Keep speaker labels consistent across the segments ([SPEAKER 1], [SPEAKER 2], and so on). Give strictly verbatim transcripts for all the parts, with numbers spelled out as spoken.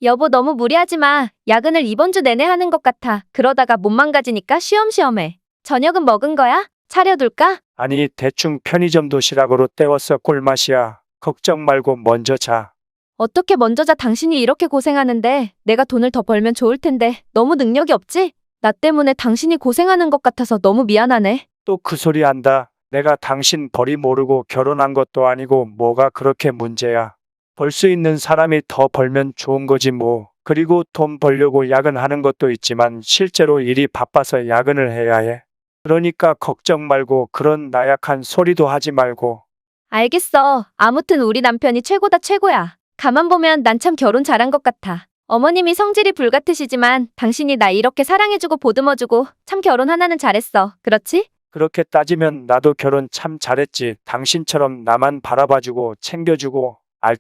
[SPEAKER 1] 여보 너무 무리하지 마. 야근을 이번 주 내내 하는 것 같아. 그러다가 몸 망가지니까 쉬엄쉬엄 해. 저녁은 먹은 거야? 차려둘까?
[SPEAKER 2] 아니, 대충 편의점 도시락으로 때웠어. 꿀맛이야. 걱정 말고 먼저 자.
[SPEAKER 1] 어떻게 먼저 자. 당신이 이렇게 고생하는데 내가 돈을 더 벌면 좋을 텐데 너무 능력이 없지? 나 때문에 당신이 고생하는 것 같아서 너무 미안하네.
[SPEAKER 2] 또 그 소리 한다. 내가 당신 벌이 모르고 결혼한 것도 아니고 뭐가 그렇게 문제야. 벌 수 있는 사람이 더 벌면 좋은 거지 뭐. 그리고 돈 벌려고 야근하는 것도 있지만 실제로 일이 바빠서 야근을 해야 해. 그러니까 걱정 말고 그런 나약한 소리도 하지 말고.
[SPEAKER 1] 알겠어. 아무튼 우리 남편이 최고다 최고야. 가만 보면 난 참 결혼 잘한 것 같아. 어머님이 성질이 불같으시지만 당신이 나 이렇게 사랑해주고 보듬어주고 참 결혼 하나는 잘했어. 그렇지?
[SPEAKER 2] 그렇게 따지면 나도 결혼 참 잘했지. 당신처럼 나만 바라봐주고 챙겨주고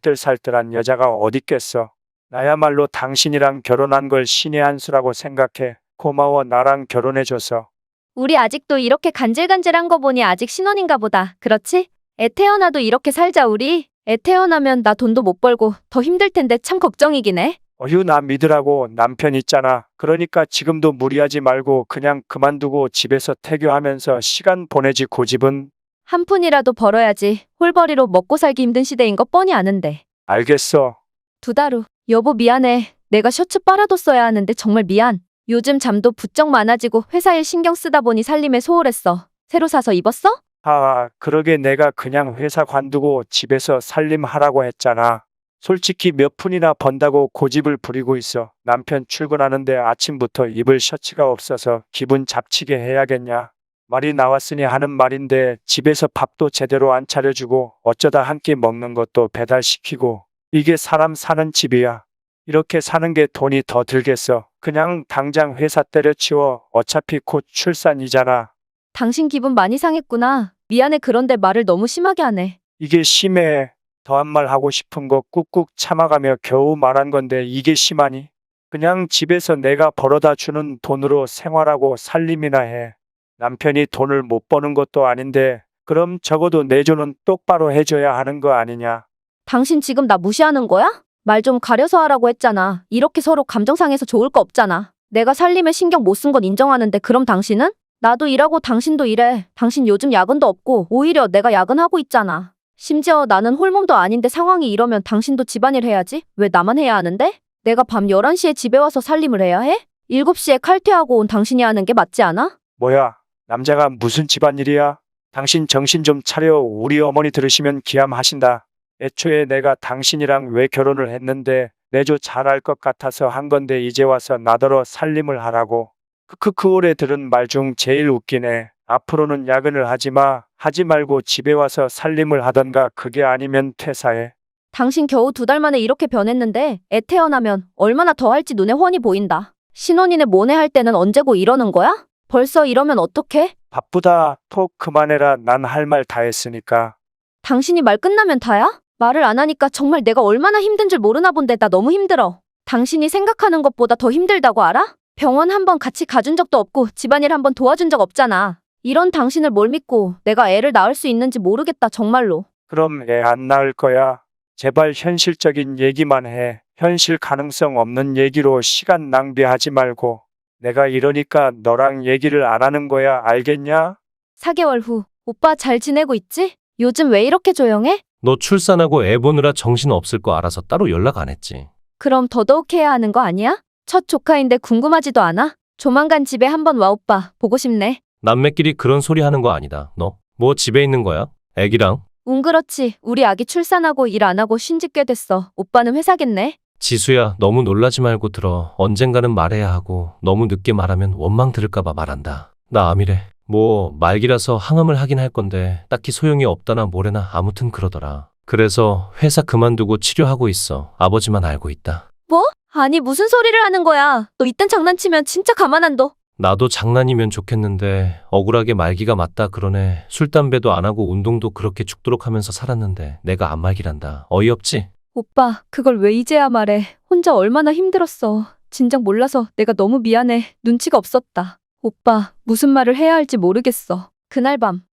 [SPEAKER 2] 알뜰살뜰한 여자가 어딨겠어. 나야말로 당신이랑 결혼한 걸 신의 한 수라고 생각해. 고마워 나랑 결혼해줘서.
[SPEAKER 1] 우리 아직도 이렇게 간질간질한 거 보니 아직 신혼인가 보다. 그렇지? 애 태어나도 이렇게 살자 우리. 애 태어나면 나 돈도 못 벌고 더 힘들 텐데 참 걱정이긴 해.
[SPEAKER 2] 어휴 나 믿으라고 남편 있잖아. 그러니까 지금도 무리하지 말고 그냥 그만두고 집에서 태교하면서 시간 보내지 고집은.
[SPEAKER 1] 한 푼이라도 벌어야지. 홀벌이로 먹고 살기 힘든 시대인 거 뻔히 아는데.
[SPEAKER 2] 알겠어.
[SPEAKER 1] 두 달 후. 여보 미안해. 내가 셔츠 빨아뒀어야 하는데 정말 미안. 요즘 잠도 부쩍 많아지고 회사 일 신경 쓰다 보니 살림에 소홀했어. 새로 사서 입었어?
[SPEAKER 2] 아, 그러게 내가 그냥 회사 관두고 집에서 살림하라고 했잖아. 솔직히 몇 푼이나 번다고 고집을 부리고 있어. 남편 출근하는데 아침부터 입을 셔츠가 없어서 기분 잡치게 해야겠냐. 말이 나왔으니 하는 말인데 집에서 밥도 제대로 안 차려주고 어쩌다 한 끼 먹는 것도 배달시키고. 이게 사람 사는 집이야. 이렇게 사는 게 돈이 더 들겠어. 그냥 당장 회사 때려치워. 어차피 곧 출산이잖아.
[SPEAKER 1] 당신 기분 많이 상했구나. 미안해. 그런데 말을 너무 심하게 하네.
[SPEAKER 2] 이게 심해. 더한 말 하고 싶은 거 꾹꾹 참아가며 겨우 말한 건데 이게 심하니? 그냥 집에서 내가 벌어다 주는 돈으로 생활하고 살림이나 해. 남편이 돈을 못 버는 것도 아닌데 그럼 적어도 내조는 똑바로 해줘야 하는 거 아니냐?
[SPEAKER 1] 당신 지금 나 무시하는 거야? 말 좀 가려서 하라고 했잖아. 이렇게 서로 감정 상해서 좋을 거 없잖아. 내가 살림에 신경 못 쓴 건 인정하는데 그럼 당신은? 나도 일하고 당신도 일해. 당신 요즘 야근도 없고 오히려 내가 야근하고 있잖아. 심지어 나는 홀몸도 아닌데 상황이 이러면 당신도 집안일 해야지? 왜 나만 해야 하는데? 내가 밤 열한 시에 집에 와서 살림을 해야 해? 일곱 시에 칼퇴하고 온 당신이 하는 게 맞지 않아?
[SPEAKER 2] 뭐야? 남자가 무슨 집안일이야? 당신 정신 좀 차려. 우리 어머니 들으시면 기함하신다. 애초에 내가 당신이랑 왜 결혼을 했는데 내조 잘할 것 같아서 한 건데 이제 와서 나더러 살림을 하라고. 크크크 올해 들은 말 중 제일 웃기네. 앞으로는 야근을 하지 마. 하지 말고 집에 와서 살림을 하던가 그게 아니면 퇴사해.
[SPEAKER 1] 당신 겨우 두 달 만에 이렇게 변했는데 애 태어나면 얼마나 더 할지 눈에 훤히 보인다. 신혼이네 뭐네 할 때는 언제고 이러는 거야? 벌써 이러면 어떡해?
[SPEAKER 2] 바쁘다. 톡 그만해라. 난 할 말 다 했으니까.
[SPEAKER 1] 당신이 말 끝나면 다야? 말을 안 하니까 정말 내가 얼마나 힘든 줄 모르나 본데 나 너무 힘들어. 당신이 생각하는 것보다 더 힘들다고 알아? 병원 한번 같이 가준 적도 없고 집안일 한번 도와준 적 없잖아. 이런 당신을 뭘 믿고 내가 애를 낳을 수 있는지 모르겠다 정말로.
[SPEAKER 2] 그럼 애 안 낳을 거야. 제발 현실적인 얘기만 해. 현실 가능성 없는 얘기로 시간 낭비하지 말고. 내가 이러니까 너랑 얘기를 안 하는 거야. 알겠냐?
[SPEAKER 1] 사 개월 후. 오빠 잘 지내고 있지? 요즘 왜 이렇게 조용해?
[SPEAKER 3] 너 출산하고 애 보느라 정신 없을 거 알아서 따로 연락 안 했지.
[SPEAKER 1] 그럼 더더욱 해야 하는 거 아니야? 첫 조카인데 궁금하지도 않아? 조만간 집에 한번 와 오빠. 보고 싶네.
[SPEAKER 3] 남매끼리 그런 소리 하는 거 아니다. 너 뭐 집에 있는 거야? 애기랑?
[SPEAKER 1] 응 그렇지. 우리 아기 출산하고 일 안 하고 쉰 지 꽤 됐어. 오빠는 회사겠네.
[SPEAKER 3] 지수야, 너무 놀라지 말고 들어. 언젠가는 말해야 하고 너무 늦게 말하면 원망 들을까 봐 말한다. 나 암이래. 뭐 말기라서 항암을 하긴 할 건데 딱히 소용이 없다나 뭐래나 아무튼 그러더라. 그래서 회사 그만두고 치료하고 있어. 아버지만 알고 있다.
[SPEAKER 1] 뭐? 아니 무슨 소리를 하는 거야. 너 이딴 장난치면 진짜 가만 안 둬.
[SPEAKER 3] 나도 장난이면 좋겠는데 억울하게 말기가 맞다 그러네. 술 담배도 안 하고 운동도 그렇게 죽도록 하면서 살았는데 내가 안 말기란다. 어이없지?
[SPEAKER 1] 오빠 그걸 왜 이제야 말해. 혼자 얼마나 힘들었어. 진작 몰라서 내가 너무 미안해. 눈치가 없었다. 오빠 무슨 말을 해야 할지 모르겠어. 그날 밤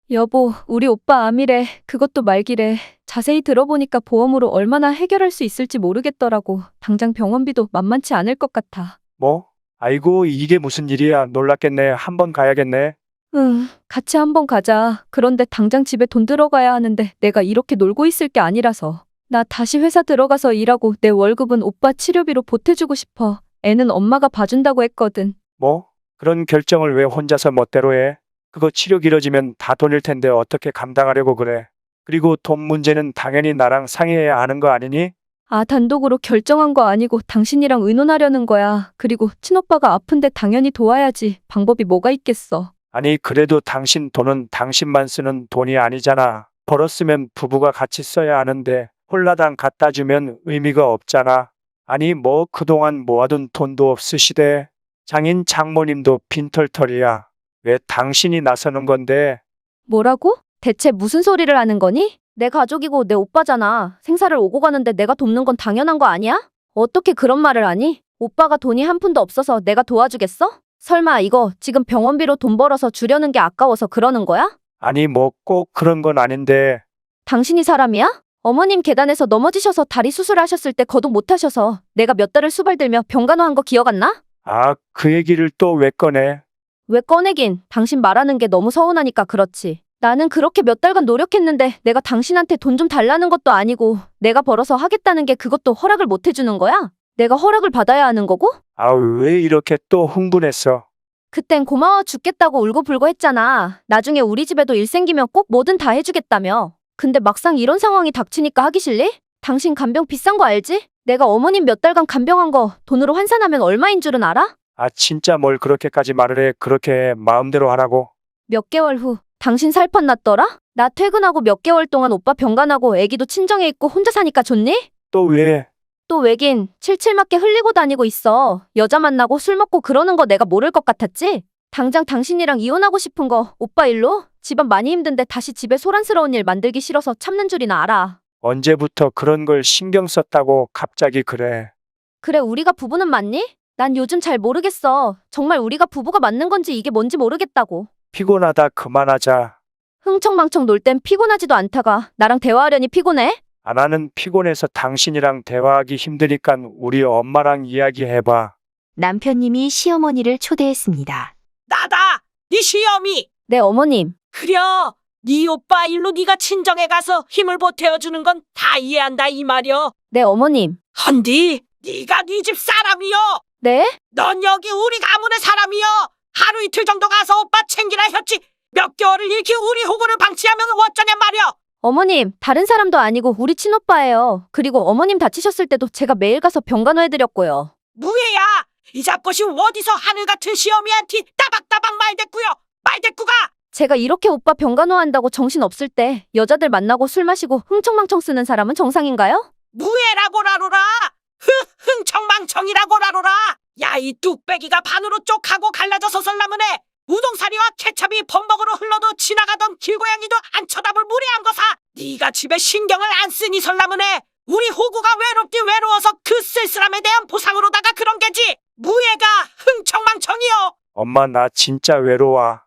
[SPEAKER 1] 여보, 우리 오빠 암이래. 그것도 말기래. 자세히 들어보니까 보험으로 얼마나 해결할 수 있을지 모르겠더라고. 당장 병원비도 만만치 않을 것 같아.
[SPEAKER 2] 뭐? 아이고, 이게 무슨 일이야. 놀랐겠네. 한번 가야겠네.
[SPEAKER 1] 응, 같이 한번 가자. 그런데 당장 집에 돈 들어가야 하는데 내가 이렇게 놀고 있을 게 아니라서. 나 다시 회사 들어가서 일하고 내 월급은 오빠 치료비로 보태주고 싶어. 애는 엄마가 봐준다고 했거든.
[SPEAKER 2] 뭐? 그런 결정을 왜 혼자서 멋대로 해? 그거 치료 길어지면 다 돈일 텐데 어떻게 감당하려고 그래? 그리고 돈 문제는 당연히 나랑 상의해야 하는 거 아니니?
[SPEAKER 1] 아, 단독으로 결정한 거 아니고 당신이랑 의논하려는 거야. 그리고 친오빠가 아픈데 당연히 도와야지. 방법이 뭐가 있겠어.
[SPEAKER 2] 아니, 그래도 당신 돈은 당신만 쓰는 돈이 아니잖아. 벌었으면 부부가 같이 써야 하는데 홀라당 갖다 주면 의미가 없잖아. 아니, 뭐 그동안 모아둔 돈도 없으시대. 장인 장모님도 빈털털이야. 왜 당신이 나서는 건데?
[SPEAKER 1] 뭐라고? 대체 무슨 소리를 하는 거니? 내 가족이고 내 오빠잖아. 생사를 오고 가는데 내가 돕는 건 당연한 거 아니야? 어떻게 그런 말을 하니? 오빠가 돈이 한 푼도 없어서 내가 도와주겠어? 설마 이거 지금 병원비로 돈 벌어서 주려는 게 아까워서 그러는 거야?
[SPEAKER 2] 아니, 뭐 꼭 그런 건 아닌데.
[SPEAKER 1] 당신이 사람이야? 어머님 계단에서 넘어지셔서 다리 수술하셨을 때 거동 못 하셔서 내가 몇 달을 수발들며 병간호한 거 기억 안 나?
[SPEAKER 2] 아, 그 얘기를 또 왜 꺼내?
[SPEAKER 1] 왜 꺼내긴? 당신 말하는 게 너무 서운하니까 그렇지. 나는 그렇게 몇 달간 노력했는데 내가 당신한테 돈 좀 달라는 것도 아니고 내가 벌어서 하겠다는 게 그것도 허락을 못 해주는 거야? 내가 허락을 받아야 하는 거고?
[SPEAKER 2] 아, 왜 이렇게 또 흥분했어?
[SPEAKER 1] 그땐 고마워 죽겠다고 울고불고 했잖아. 나중에 우리 집에도 일 생기면 꼭 뭐든 다 해주겠다며. 근데 막상 이런 상황이 닥치니까 하기 싫니? 당신 간병 비싼 거 알지? 내가 어머님 몇 달간 간병한 거 돈으로 환산하면 얼마인 줄은 알아?
[SPEAKER 2] 아, 진짜 뭘 그렇게까지 말을 해. 그렇게 마음대로 하라고.
[SPEAKER 1] 몇 개월 후 당신 살판 났더라? 나 퇴근하고 몇 개월 동안 오빠 병간하고 애기도 친정에 있고 혼자 사니까 좋니?
[SPEAKER 2] 또 왜?
[SPEAKER 1] 또 왜긴 칠칠맞게 흘리고 다니고 있어. 여자 만나고 술 먹고 그러는 거 내가 모를 것 같았지? 당장 당신이랑 이혼하고 싶은 거 오빠 일로? 집안 많이 힘든데 다시 집에 소란스러운 일 만들기 싫어서 참는 줄이나 알아.
[SPEAKER 2] 언제부터 그런 걸 신경 썼다고 갑자기 그래.
[SPEAKER 1] 그래 우리가 부부는 맞니? 난 요즘 잘 모르겠어. 정말 우리가 부부가 맞는 건지 이게 뭔지 모르겠다고.
[SPEAKER 2] 피곤하다 그만하자.
[SPEAKER 1] 흥청망청 놀 땐 피곤하지도 않다가 나랑 대화하려니 피곤해?
[SPEAKER 2] 아, 나는 피곤해서 당신이랑 대화하기 힘드니까 우리 엄마랑 이야기해봐.
[SPEAKER 4] 남편님이 시어머니를 초대했습니다.
[SPEAKER 5] 나다! 네 시어미!
[SPEAKER 1] 네 어머님.
[SPEAKER 5] 그려! 네 오빠 일로 네가 친정에 가서 힘을 보태어주는 건 다 이해한다 이 말이여.
[SPEAKER 1] 네 어머님.
[SPEAKER 5] 헌디 네가 네 집 사람이여.
[SPEAKER 1] 네?
[SPEAKER 5] 넌 여기 우리 가문의 사람이여. 하루 이틀 정도 가서 오빠 챙기라 했지. 몇 개월을 일으키 우리 호구를 방치하면 어쩌냔 말이여.
[SPEAKER 1] 어머님, 다른 사람도 아니고 우리 친오빠예요. 그리고 어머님 다치셨을 때도 제가 매일 가서 병간호해드렸고요.
[SPEAKER 5] 무예야. 이 잡것이 어디서 하늘 같은 시어미한테 따박따박 말대꾸여. 말대꾸가.
[SPEAKER 1] 제가 이렇게 오빠 병간호한다고 정신 없을 때 여자들 만나고 술 마시고 흥청망청 쓰는 사람은 정상인가요?
[SPEAKER 5] 무예라고라로라. 흐 흥청망청이라고라로라. 야 이 뚝배기가 반으로 쪽하고 갈라져서 설라문에 우동사리와 케찹이 범벅으로 흘러도 지나가던 길고양이도 안 쳐다볼 무례한 거사. 네가 집에 신경을 안 쓰니 설라문에 우리 호구가 외롭디 외로워서 그 쓸쓸함에 대한 보상으로다가 그런 게지. 무예가 흥청망청이여.
[SPEAKER 2] 엄마, 나 진짜 외로워.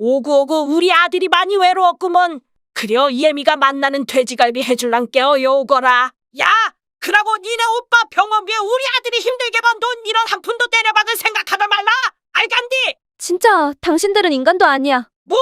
[SPEAKER 5] 오구오구 우리 아들이 많이 외로웠구먼. 그려 예미가 만나는 돼지갈비 해줄란께요 요거라. 야 그러고 니네 오빠 병원비에 우리 아들이 힘들게 번 돈 이런 한 푼도 때려박을 생각하다 말라. 알간디?
[SPEAKER 1] 진짜 당신들은 인간도 아니야.
[SPEAKER 5] 뭐?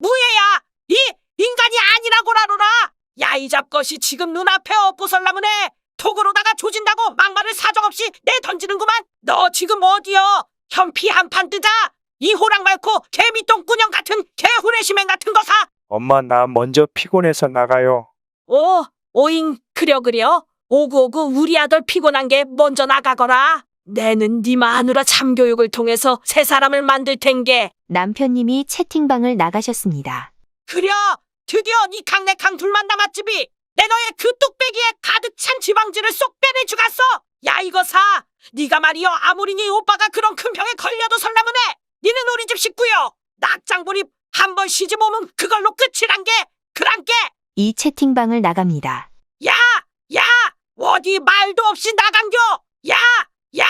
[SPEAKER 5] 무예야 이 인간이 아니라고라로라. 야 이 잡것이 지금 눈앞에 엎보설라문에 톡으로다가 조진다고 막말을 사정없이 내던지는구만. 너 지금 어디여? 현피 한 판 뜨자. 이 호랑 말고 개미똥꾸녕 같은 개후레시맹 같은 거사.
[SPEAKER 2] 엄마, 나 먼저 피곤해서 나가요.
[SPEAKER 5] 오, 오잉 그려 그려. 오구오구 우리 아들 피곤한 게 먼저 나가거라. 내는 네 마누라 참교육을 통해서 새 사람을 만들 텐게.
[SPEAKER 4] 남편님이 채팅방을 나가셨습니다.
[SPEAKER 5] 그려 드디어 네 강내강 둘만 남았지비. 내 너의 그 뚝배기에 가득 찬 지방지를 쏙 빼내주갔어. 야 이거사 네가 말이여 아무리 네 오빠가 그런 큰 병에 걸려도 설라문에 니는 우리 집 식구여. 낙장불입 한 번 시집 오면 그걸로 끝이란게. 그란게.
[SPEAKER 4] 이 채팅방을 나갑니다.
[SPEAKER 5] 야! 야! 어디 말도 없이 나간겨! 야! 야!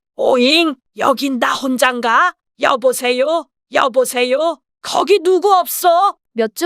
[SPEAKER 5] 오잉! 여긴 나 혼잔가? 여보세요? 여보세요? 거기 누구 없어?
[SPEAKER 1] 몇 주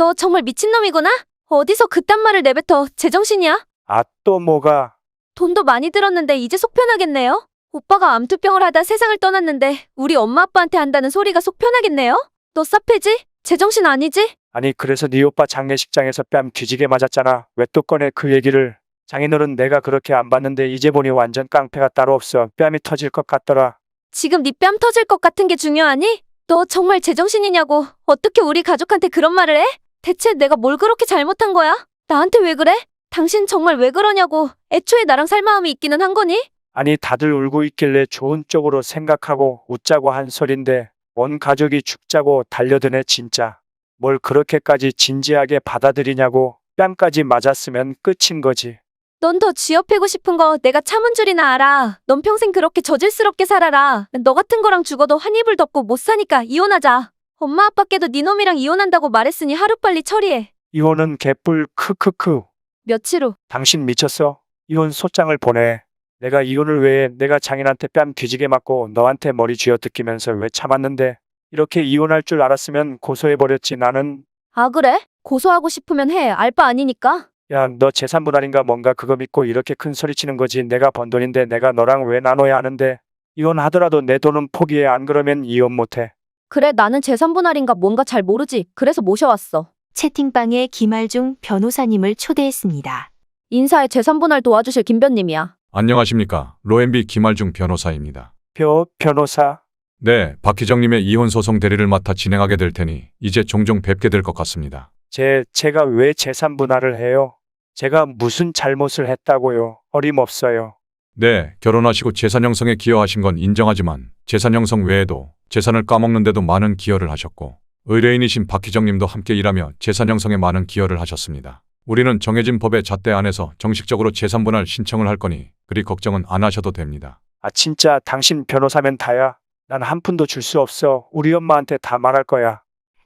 [SPEAKER 1] 너 정말 미친놈이구나? 어디서 그딴 말을 내뱉어. 제정신이야?
[SPEAKER 2] 아, 또 뭐가?
[SPEAKER 1] 돈도 많이 들었는데 이제 속 편하겠네요? 오빠가 암투병을 하다 세상을 떠났는데 우리 엄마 아빠한테 한다는 소리가 속 편하겠네요? 너 싸패지? 제정신 아니지?
[SPEAKER 2] 아니, 그래서 네 오빠 장례식장에서 뺨 뒤지게 맞았잖아. 왜 또 꺼내 그 얘기를? 장인어른 내가 그렇게 안 봤는데 이제 보니 완전 깡패가 따로 없어. 뺨이 터질 것 같더라.
[SPEAKER 1] 지금 네 뺨 터질 것 같은 게 중요하니? 너 정말 제정신이냐고. 어떻게 우리 가족한테 그런 말을 해? 대체 내가 뭘 그렇게 잘못한 거야? 나한테 왜 그래? 당신 정말 왜 그러냐고. 애초에 나랑 살 마음이 있기는 한 거니?
[SPEAKER 2] 아니, 다들 울고 있길래 좋은 쪽으로 생각하고 웃자고 한 소린데 온 가족이 죽자고 달려드네 진짜. 뭘 그렇게까지 진지하게 받아들이냐고. 뺨까지 맞았으면 끝인 거지.
[SPEAKER 1] 넌 더 쥐어패고 싶은 거 내가 참은 줄이나 알아. 넌 평생 그렇게 저질스럽게 살아라. 너 같은 거랑 죽어도 한 이불 덮고 못 사니까 이혼하자. 엄마 아빠께도 네 놈이랑 이혼한다고 말했으니 하루빨리 처리해.
[SPEAKER 2] 이혼은 개뿔 크크크.
[SPEAKER 1] 며칠 후
[SPEAKER 2] 당신 미쳤어? 이혼 소장을 보내. 내가 이혼을 왜 해? 내가 장인한테 뺨 뒤지게 맞고 너한테 머리 쥐어뜯기면서 왜 참았는데? 이렇게 이혼할 줄 알았으면 고소해버렸지 나는.
[SPEAKER 1] 아 그래? 고소하고 싶으면 해. 알바 아니니까.
[SPEAKER 2] 야, 너 재산분할인가 뭔가 그거 믿고 이렇게 큰 소리 치는 거지. 내가 번 돈인데 내가 너랑 왜 나눠야 하는데. 이혼하더라도 내 돈은 포기해. 안 그러면 이혼 못해.
[SPEAKER 1] 그래 나는 재산분할인가 뭔가 잘 모르지. 그래서 모셔왔어.
[SPEAKER 4] 채팅방에 김알중 변호사님을 초대했습니다.
[SPEAKER 1] 인사에 재산분할 도와주실 김변님이야.
[SPEAKER 6] 안녕하십니까. 로엠비 김알중 변호사입니다.
[SPEAKER 2] 표, 변호사.
[SPEAKER 6] 네, 박희정님의 이혼 소송 대리를 맡아 진행하게 될 테니 이제 종종 뵙게 될 것 같습니다.
[SPEAKER 2] 제, 제가 왜 재산분할을 해요? 제가 무슨 잘못을 했다고요? 어림없어요.
[SPEAKER 6] 네, 결혼하시고 재산 형성에 기여하신 건 인정하지만 재산 형성 외에도 재산을 까먹는데도 많은 기여를 하셨고 의뢰인이신 박희정님도 함께 일하며 재산 형성에 많은 기여를 하셨습니다. 우리는 정해진 법의 잣대 안에서 정식적으로 재산분할 신청을 할 거니 그리 걱정은 안 하셔도 됩니다.
[SPEAKER 2] 아, 진짜 당신 변호사면 다야. 난 한 푼도 줄 수 없어. 우리 엄마한테 다 말할 거야.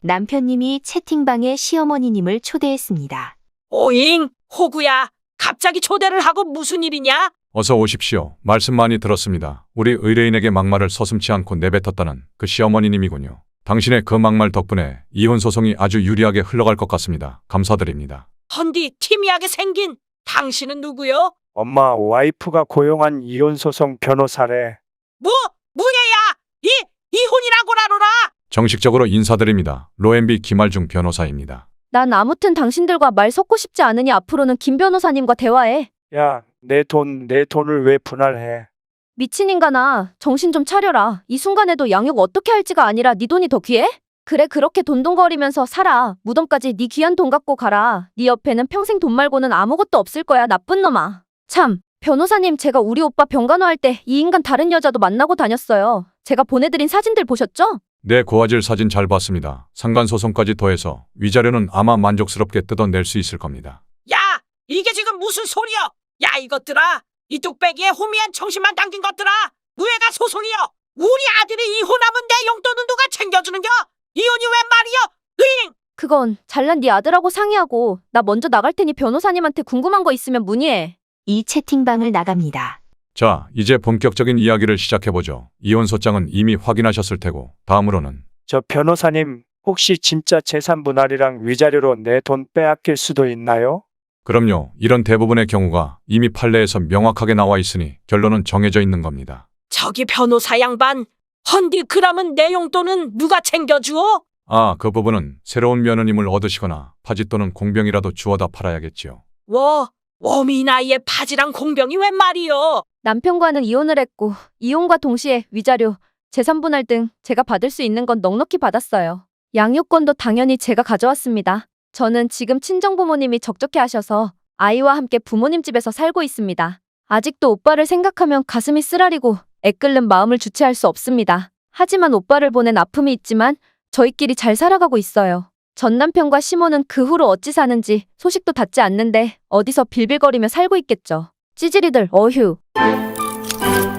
[SPEAKER 4] 남편님이 채팅방에 시어머니님을 초대했습니다.
[SPEAKER 5] 오잉, 호구야. 갑자기 초대를 하고 무슨 일이냐?
[SPEAKER 6] 어서 오십시오. 말씀 많이 들었습니다. 우리 의뢰인에게 막말을 서슴지 않고 내뱉었다는 그 시어머니님이군요. 당신의 그 막말 덕분에 이혼 소송이 아주 유리하게 흘러갈 것 같습니다. 감사드립니다.
[SPEAKER 5] 헌디 티미하게 생긴 당신은 누구요?
[SPEAKER 2] 엄마, 와이프가 고용한 이혼소송 변호사래.
[SPEAKER 5] 뭐? 뭐야야? 이 이혼이라고라로라.
[SPEAKER 6] 정식적으로 인사드립니다. 로엠비 김알중 변호사입니다.
[SPEAKER 1] 난 아무튼 당신들과 말 섞고 싶지 않으니 앞으로는 김 변호사님과 대화해.
[SPEAKER 2] 야, 내 돈, 내 돈을 왜 분할해?
[SPEAKER 1] 미친 인간아, 정신 좀 차려라. 이 순간에도 양육 어떻게 할지가 아니라 네 돈이 더 귀해? 그래 그렇게 돈돈거리면서 살아. 무덤까지 네 귀한 돈 갖고 가라. 네 옆에는 평생 돈 말고는 아무것도 없을 거야, 나쁜 놈아. 참, 변호사님 제가 우리 오빠 병간호할 때 이 인간 다른 여자도 만나고 다녔어요. 제가 보내드린 사진들 보셨죠?
[SPEAKER 6] 네, 고화질 사진 잘 봤습니다. 상간소송까지 더해서 위자료는 아마 만족스럽게 뜯어낼 수 있을 겁니다.
[SPEAKER 5] 야, 이게 지금 무슨 소리여? 야, 이것들아. 이 뚝배기에 호미한 청심만 담긴 것들아. 무예가 소송이여. 우리 아들이 이혼하면 내 용돈은 누가 챙겨주는겨? 이혼이 웬 말이여? 으잉!
[SPEAKER 1] 그건 잘난 네 아들하고 상의하고 나 먼저 나갈 테니 변호사님한테 궁금한 거 있으면 문의해.
[SPEAKER 4] 이 채팅방을 나갑니다.
[SPEAKER 6] 자, 이제 본격적인 이야기를 시작해보죠. 이혼 소장은 이미 확인하셨을 테고 다음으로는
[SPEAKER 2] 저 변호사님, 혹시 진짜 재산 분할이랑 위자료로 내 돈 빼앗길 수도 있나요?
[SPEAKER 6] 그럼요. 이런 대부분의 경우가 이미 판례에서 명확하게 나와 있으니 결론은 정해져 있는 겁니다.
[SPEAKER 5] 저기 변호사 양반. 헌디 그러면 내 용돈은 누가 챙겨주어?
[SPEAKER 6] 아, 그 부분은 새로운 며느님을 얻으시거나 파지 또는 공병이라도 주워다 팔아야겠지요.
[SPEAKER 5] 워, 워미 나이에 파지랑 공병이 웬 말이여?
[SPEAKER 1] 남편과는 이혼을 했고 이혼과 동시에 위자료, 재산분할 등 제가 받을 수 있는 건 넉넉히 받았어요. 양육권도 당연히 제가 가져왔습니다. 저는 지금 친정부모님이 적적해 하셔서 아이와 함께 부모님 집에서 살고 있습니다. 아직도 오빠를 생각하면 가슴이 쓰라리고 애끓는 마음을 주체할 수 없습니다. 하지만 오빠를 보낸 아픔이 있지만 저희끼리 잘 살아가고 있어요. 전 남편과 시모는 그 후로 어찌 사는지 소식도 닿지 않는데 어디서 빌빌거리며 살고 있겠죠. 찌질이들 어휴.